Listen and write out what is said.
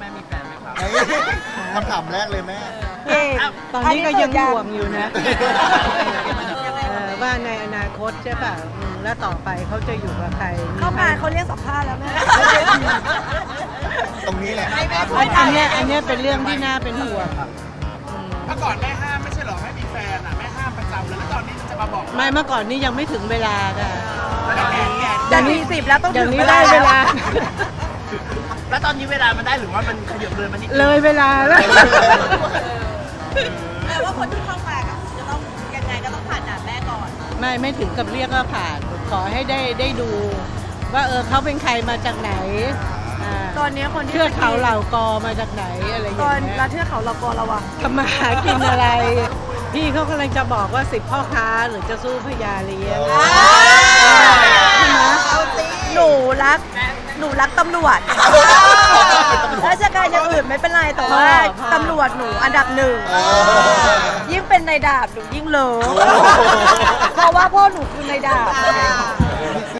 ม่มีแฟนไหมครับคำถามแรกเลยแม่ตอนนี้ก็ยังห่วงอยู่นะว่าในอนาคตใช่ป่ะแล้วต่อไปเขาจะอยู่กับใครเข้ามาเขาเรียกสัมภาษณ์แล้วแม่ตรงนี้แหละอันเนี้ยเป็นเรื่องที่น่าเป็นห่วงเมื่อก่อนแม่ห้ามไม่ใช่หรอให้มีแฟนอ่ะแม่ห้ามประจำแล้วตอนนี้จะมาบอกไม่เมื่อก่อนนี้ยังไม่ถึงเวลาค่ะจะ40แล้วต้องเดี๋ยถึวงนี้ได้เวลาแล้วตอนนี้เวลามันได้หรือว่ามันขยับเลยมันนิดเลยเวลาแล้วแปลว่าคนที่เข้ามากับจะต้องยังไงก็ต้องผ่านด่านแม่ก่อนไม่ถึงกับเรียกว่าผ่าน ขอให้ได้ดู ว่าเขาเป็นใครมาจากไหนตอนนี้คนที่เทือกเขาเหล่ากอมาจากไหนอะไรอย่างตอนเงี้ยแล้วเทือกเขาเรากอระวังทำมาหากินอะไร พี่เขากำลังจะบอกว่า10พ่อค้าหรือจะสู้พญาเลี้ยงใช่ไหมหนูรักตำรวจราชการอย่างอื่นไม่เป็นไรแต่ว่าตำรวจหนูอันดับหนึ่งยิ่งเป็นในดาบหนูยิ่งเลิฟ